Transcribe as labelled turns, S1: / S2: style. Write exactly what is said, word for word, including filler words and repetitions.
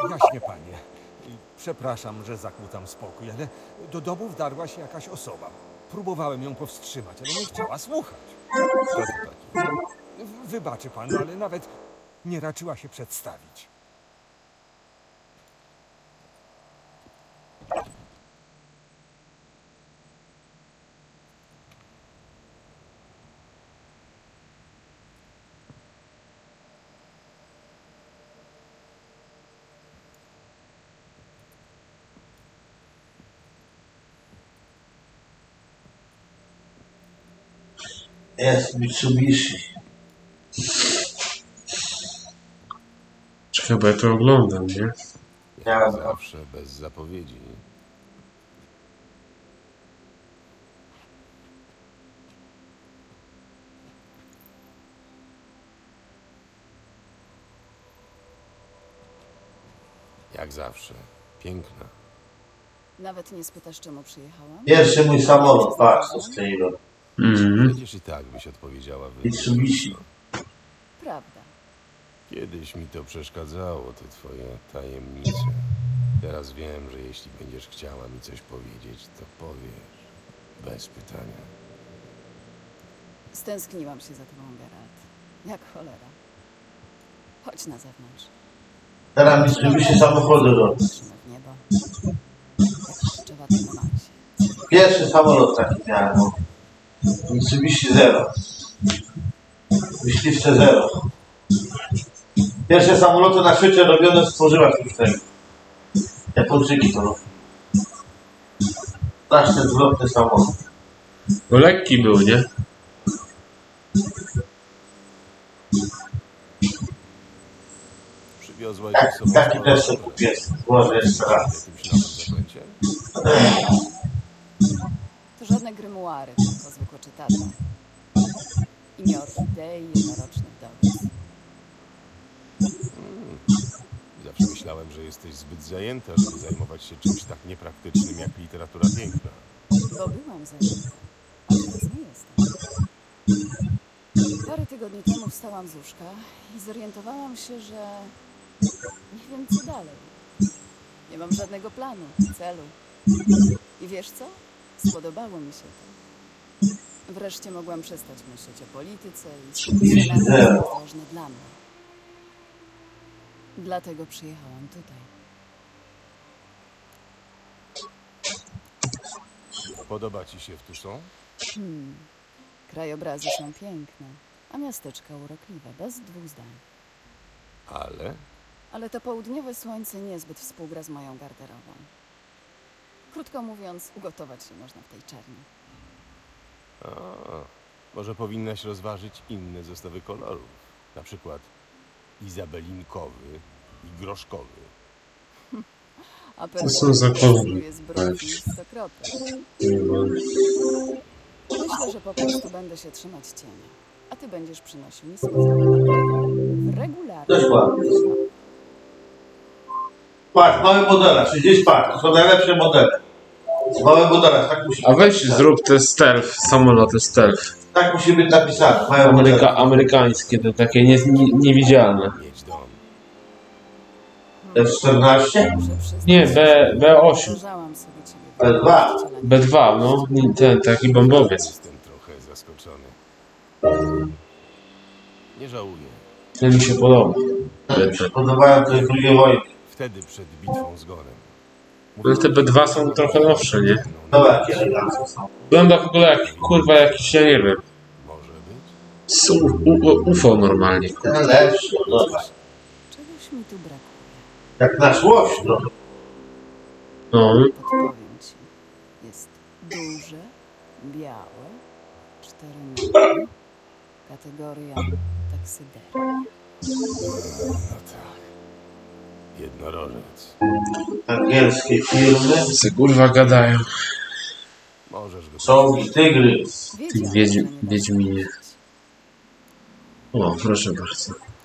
S1: Jaśnie, panie. Przepraszam, że zakłócam spokój, ale do domu wdarła się jakaś osoba. Próbowałem ją powstrzymać, ale nie chciała słuchać.
S2: Kto to taki?
S1: W- Wybaczy pan, ale nawet nie raczyła się przedstawić.
S3: Jest Mitsubishi.
S4: Chyba ja to oglądam, nie?
S2: Jak zawsze, bez zapowiedzi. Jak zawsze. Piękna.
S5: Nawet nie spytasz, czemu przyjechałam?
S3: Pierwszy mój samolot, patrz co strzeliłem.
S4: Mhm.
S2: Przecież i tak byś odpowiedziała wy.
S3: Mitsubishi.
S5: Prawda.
S2: Kiedyś mi to przeszkadzało, te twoje tajemnice. Teraz wiem, że jeśli będziesz chciała mi coś powiedzieć, to powiesz. Bez pytania.
S5: Stęskniłam się za tobą, Geralt. Jak cholera. Chodź na zewnątrz.
S3: Teraz Mitsubishi samochody robię.
S5: Patrzymy w niebo. Jak pszczoła na Marsie.
S3: Pierwszy samolot taki miałem. no. Mitsubishi Zero. Myśliwce Zero. Pierwsze samoloty na świecie robione stworzyła sztucznego. Japończyki to robią. Strasznie zwrotny samolot.
S4: Bo lekki był, nie?
S2: Przywiozłaś
S3: Tak,
S2: ze sobą
S3: taki
S2: sporo
S3: też sobie
S2: rzeczy.
S3: kupię. Może jeszcze
S2: W
S3: raz.
S2: jakimś nowym zakręcie?
S5: To żadne grymuary, tylko zwykłe czytadło. Imię orchidei, jednoroczny wdowiec.
S2: Zawsze myślałem, że jesteś zbyt zajęta, żeby zajmować się czymś tak niepraktycznym jak literatura piękna.
S5: Bo byłam zajęta, a teraz nie jestem. Parę tygodni temu wstałam z łóżka i zorientowałam się, że nie wiem co dalej. Nie mam żadnego planu, celu. I wiesz co? Spodobało mi się to. Wreszcie mogłam przestać myśleć o polityce i skupić się na tym, co jest ważne dla mnie. Dlatego przyjechałam tutaj.
S2: Podoba ci się w Tucson?
S5: Hmm. Krajobrazy są piękne, a miasteczka urokliwe, bez dwóch zdań.
S2: Ale
S5: Ale to południowe słońce niezbyt współgra z moją garderobą. Krótko mówiąc, ugotować się można w tej czerni.
S2: A, może powinnaś rozważyć inne zestawy kolorów. Na przykład izabelinkowy i groszkowy.
S5: A
S4: To są za kolory.
S5: jest brudny stokrotnie.
S4: Nie ma.
S5: Myślę, że po prostu będę się trzymać cienia. A ty będziesz przynosił mi słońce w regularnie.
S3: Też ładnie. Patrz, małe modele, sześćdziesiąt par, to są najlepsze modele. Małe modele, tak musi
S4: A
S3: być
S4: weź
S3: napisane.
S4: zrób te stealth, samoloty stealth.
S3: Tak musi być napisane, małe
S4: Ameryka,
S3: modele.
S4: amerykańskie, te takie nie, nie, niewidzialne.
S2: Mieć dom.
S3: F czternaście?
S5: Muszę przyznać,
S4: Nie, B, B osiem.
S5: wyobrażałam sobie ciebie
S3: B dwa.
S4: B dwa, no. Nie, ten taki bombowiec.
S2: Jestem trochę zaskoczony. Nie żałuję.
S4: Ten mi się podoba.
S3: Mi się podobają te drugie wojny.
S2: Wtedy przed bitwą z Gorem.
S4: No te B dwa są trochę nowsze, nie?
S3: No jakie eleganckie są.
S4: Wygląda w ogóle jak, kurwa, jakiś, ja nie wiem.
S2: Może być?
S4: Z U, U, U F O normalnie.
S3: Ten lepszy, no zobacz.
S5: Czegoś mi tu brakuje.
S3: Jak na szłość, no.
S4: No,
S5: Podpowiem ci. Jest duże, białe, cztery nogi, kategoria taksyderia.
S2: No tak. Jednorożec.
S3: Angielskie firmy,
S4: se kurwa gadają.
S2: Możesz go...
S3: czołgi, tygry.
S5: Wiedziałam,
S4: wiedź-
S5: że nie da się
S4: wiedźminie.
S5: powiedzieć.
S4: O, proszę bardzo.